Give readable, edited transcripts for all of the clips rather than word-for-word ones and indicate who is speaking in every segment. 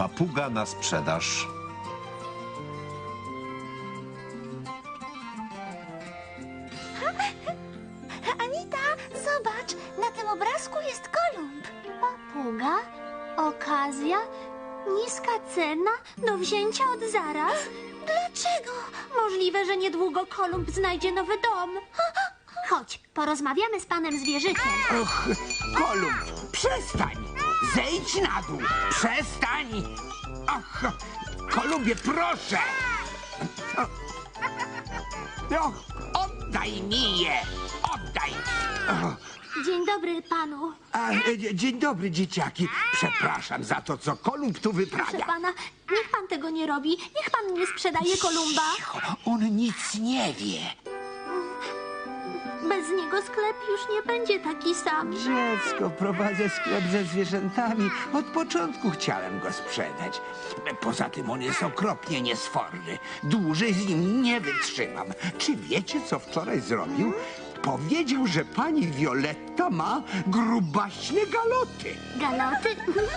Speaker 1: Papuga na sprzedaż.
Speaker 2: Anita, zobacz, na tym obrazku jest Kolumb.
Speaker 3: Papuga? Okazja? Niska cena? Do wzięcia od zaraz?
Speaker 2: Dlaczego?
Speaker 3: Możliwe, że niedługo Kolumb znajdzie nowy dom. Chodź, porozmawiamy z panem zwierzykiem.
Speaker 4: Och, Kolumb, przestań! Zejdź na dół! Przestań! Ach, Kolumbie, proszę! Och, oddaj mi je! Oddaj!
Speaker 3: Dzień dobry panu.
Speaker 4: Dzień dobry, dzieciaki. Przepraszam za to, co Kolumb tu
Speaker 3: Proszę
Speaker 4: wyprawia.
Speaker 3: pana, niech pan tego nie robi. Niech pan nie sprzedaje Kolumba.
Speaker 4: Cicho, on nic nie wie.
Speaker 3: Bez niego sklep już nie będzie taki sam.
Speaker 4: Dziecko, prowadzę sklep ze zwierzętami. Od początku chciałem go sprzedać. Poza tym on jest okropnie niesforny. Dłużej z nim nie wytrzymam. Czy wiecie, co wczoraj zrobił? Powiedział, że pani Violetta ma grubaśne galoty.
Speaker 3: Galoty?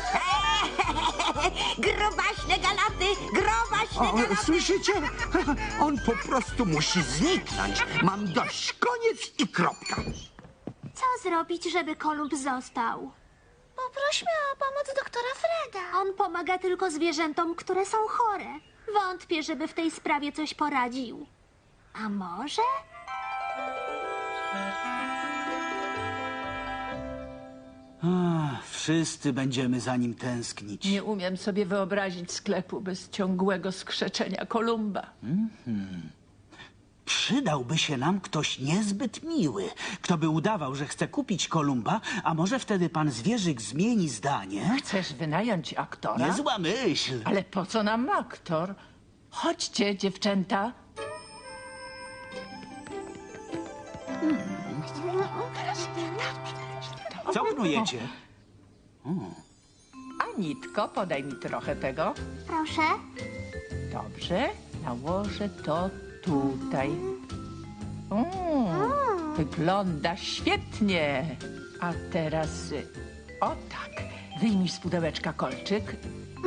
Speaker 2: Grobaśne galoty, grobaśne
Speaker 4: O,
Speaker 2: galoty.
Speaker 4: słyszycie? On po prostu musi zniknąć. Mam dość. Koniec i kropka.
Speaker 3: Co zrobić, żeby Kolumb został?
Speaker 2: Poprośmy o pomoc doktora Freda.
Speaker 3: On pomaga tylko zwierzętom, które są chore. Wątpię, żeby w tej sprawie coś poradził. A może?
Speaker 5: Wszyscy będziemy za nim tęsknić.
Speaker 6: Nie umiem sobie wyobrazić sklepu bez ciągłego skrzeczenia Kolumba.
Speaker 5: Przydałby się nam ktoś niezbyt miły, kto by udawał, że chce kupić Kolumba, a może wtedy pan zwierzyk zmieni zdanie?
Speaker 6: Chcesz wynająć aktora?
Speaker 5: Niezła myśl.
Speaker 6: Ale po co nam aktor? Chodźcie, dziewczęta.
Speaker 5: Co knujecie?
Speaker 6: Anitko, podaj mi trochę tego.
Speaker 3: Proszę.
Speaker 6: Dobrze, nałożę to tutaj. Wygląda świetnie. A teraz, o tak, wyjmij z pudełeczka kolczyk.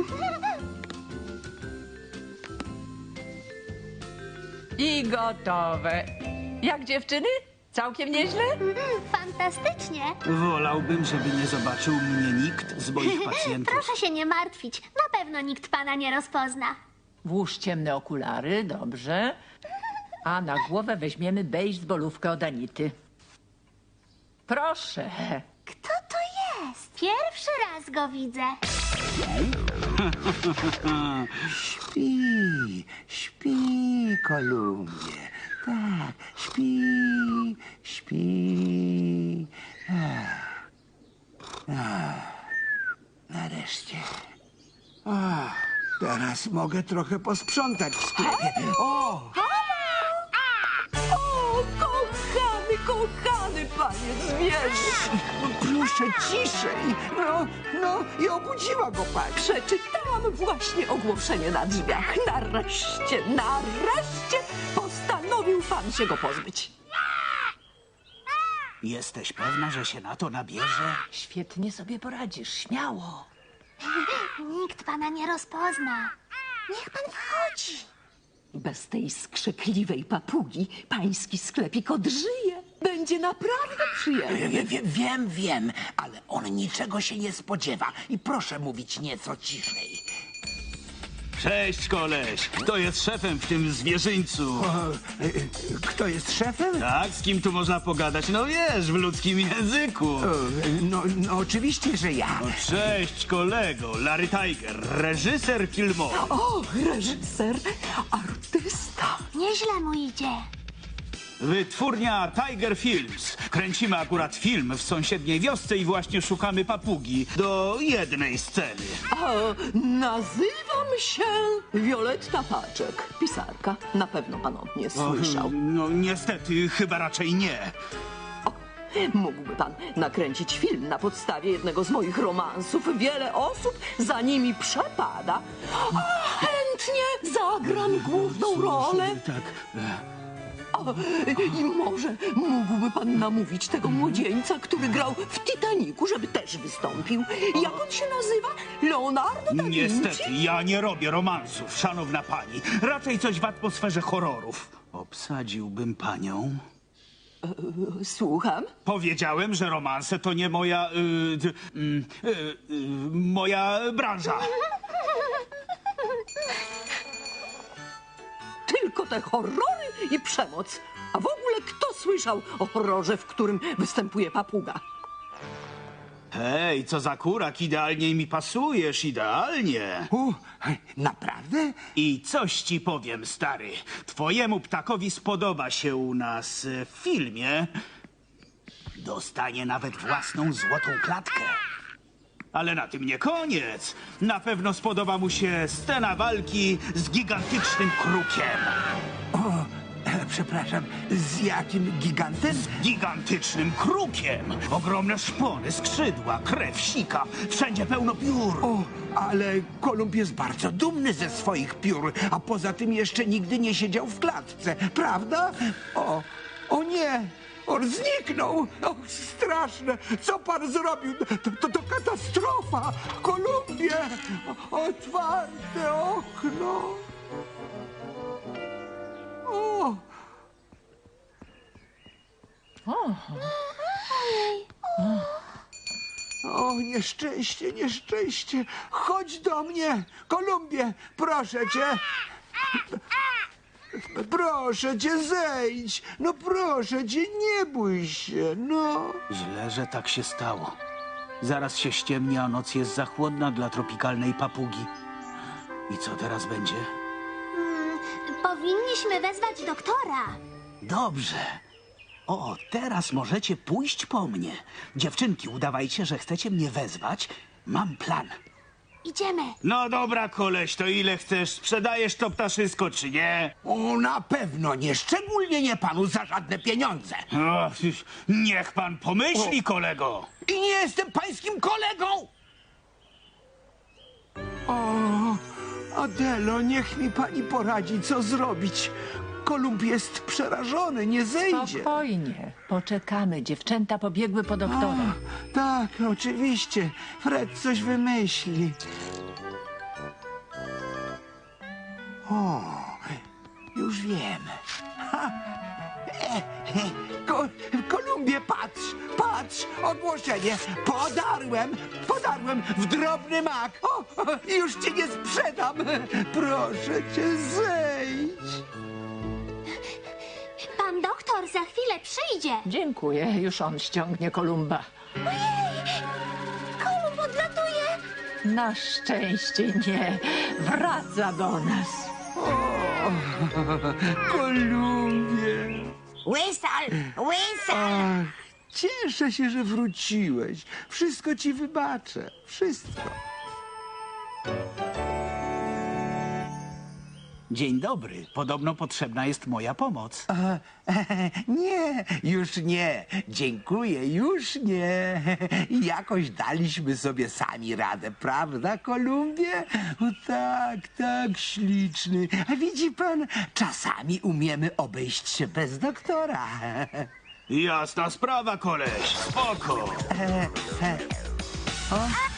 Speaker 6: I gotowe. Jak dziewczyny? Całkiem nieźle?
Speaker 3: Fantastycznie.
Speaker 5: Wolałbym, żeby nie zobaczył mnie nikt z moich pacjentów.
Speaker 3: Proszę się nie martwić. Na pewno nikt pana nie rozpozna.
Speaker 6: Włóż ciemne okulary, dobrze. A na głowę weźmiemy bejsbolówkę od Anity. Proszę.
Speaker 3: Kto to jest? Pierwszy raz go widzę.
Speaker 4: Śpi, śpi, Kolumbie. Tak, śpi, śpi. Nareszcie. Teraz mogę trochę posprzątać w sklepie. O!
Speaker 6: Kochany panie zwierzę.
Speaker 4: Proszę ciszej. No i obudziła go pani.
Speaker 7: Przeczytałam właśnie ogłoszenie na drzwiach. Nareszcie postanowił pan się go pozbyć.
Speaker 5: Jesteś pewna, że się na to nabierze?
Speaker 6: Świetnie sobie poradzisz, śmiało.
Speaker 3: Nikt pana nie rozpozna.
Speaker 2: Niech pan wchodzi.
Speaker 7: Bez tej skrzykliwej papugi pański sklepik odżyje. Będzie naprawdę przyjemny.
Speaker 4: Wiem, ale on niczego się nie spodziewa. I proszę mówić nieco ciszej.
Speaker 5: Cześć, koleś. Kto jest szefem w tym zwierzyńcu?
Speaker 4: Kto jest szefem?
Speaker 5: Tak, z kim tu można pogadać? No wiesz, w ludzkim języku.
Speaker 4: No oczywiście, że ja.
Speaker 5: No, cześć, kolego. Larry Tiger, reżyser filmowy.
Speaker 7: O, reżyser, artysta.
Speaker 3: Nieźle mu idzie.
Speaker 5: Wytwórnia Tiger Films. Kręcimy akurat film w sąsiedniej wiosce i właśnie szukamy papugi do jednej sceny.
Speaker 7: Nazywam się Violetta Paczek, pisarka. Na pewno pan o mnie słyszał.
Speaker 5: No niestety, chyba raczej nie.
Speaker 7: Mógłby pan nakręcić film na podstawie jednego z moich romansów. Wiele osób za nimi przepada. A chętnie zagram główną rolę.
Speaker 5: Tak.
Speaker 7: I może mógłby pan namówić tego młodzieńca, który grał w Titanicu, żeby też wystąpił. Jak on się nazywa? Leonardo da Vinci?
Speaker 5: Niestety, ja nie robię romansów, szanowna pani. Raczej coś w atmosferze horrorów. Obsadziłbym panią.
Speaker 7: Słucham?
Speaker 5: Powiedziałem, że romanse to nie moja... moja branża.
Speaker 7: Tylko te horrory i przemoc. A w ogóle kto słyszał o horrorze, w którym występuje papuga?
Speaker 5: Hej, co za kurak, idealnie mi pasujesz, idealnie.
Speaker 4: Naprawdę?
Speaker 5: I coś ci powiem, stary. Twojemu ptakowi spodoba się u nas w filmie. Dostanie nawet własną złotą klatkę. Ale na tym nie koniec. Na pewno spodoba mu się scena walki z gigantycznym krukiem.
Speaker 4: Przepraszam, z jakim gigantem?
Speaker 5: Gigantycznym krukiem! Ogromne szpony, skrzydła, krew, sika. Wszędzie pełno piór.
Speaker 4: O, ale Kolumb jest bardzo dumny ze swoich piór, a poza tym jeszcze nigdy nie siedział w klatce, prawda? O nie! On zniknął! O, straszne! Co pan zrobił? To katastrofa! Kolumbie! Otwarte okno! O! O, nieszczęście, nieszczęście! Chodź do mnie! Kolumbie, proszę cię! Proszę cię, zejdź! No proszę cię, nie bój się, no!
Speaker 5: Źle, że tak się stało. Zaraz się ściemni, a noc jest za chłodna dla tropikalnej papugi. I co teraz będzie?
Speaker 3: Powinniśmy wezwać doktora.
Speaker 5: Dobrze. O, teraz możecie pójść po mnie. Dziewczynki, udawajcie, że chcecie mnie wezwać. Mam plan.
Speaker 3: Idziemy.
Speaker 5: No dobra, koleś, to ile chcesz? Sprzedajesz to ptaszysko, czy nie?
Speaker 4: O, na pewno nie, szczególnie nie panu za żadne pieniądze!
Speaker 5: O, niech pan pomyśli, kolego.
Speaker 4: I nie jestem pańskim kolegą! O, Adelo, niech mi pani poradzi, co zrobić. Kolumb jest przerażony, nie zejdzie.
Speaker 6: Spokojnie. Poczekamy. Dziewczęta pobiegły po doktora.
Speaker 4: Tak, oczywiście. Fred coś wymyśli. O, już wiem. Kolumbie, patrz, ogłoszenie. Podarłem w drobny mak. O, już cię nie sprzedam. Proszę cię, zejdź.
Speaker 3: Pan doktor za chwilę przyjdzie.
Speaker 6: Dziękuję. Już on ściągnie Kolumba.
Speaker 3: Kolumb odlatuje.
Speaker 6: Na szczęście nie. Wraca do nas.
Speaker 4: Kolumbie.
Speaker 2: Whistle!
Speaker 4: Ach, cieszę się, że wróciłeś. Wszystko ci wybaczę. Wszystko.
Speaker 5: Dzień dobry. Podobno potrzebna jest moja pomoc.
Speaker 4: Nie, już nie. Dziękuję, już nie. Jakoś daliśmy sobie sami radę, prawda, Kolumbie? O, tak, śliczny. A widzi pan, czasami umiemy obejść się bez doktora.
Speaker 5: Jasna sprawa, koleś. Spoko.
Speaker 4: O,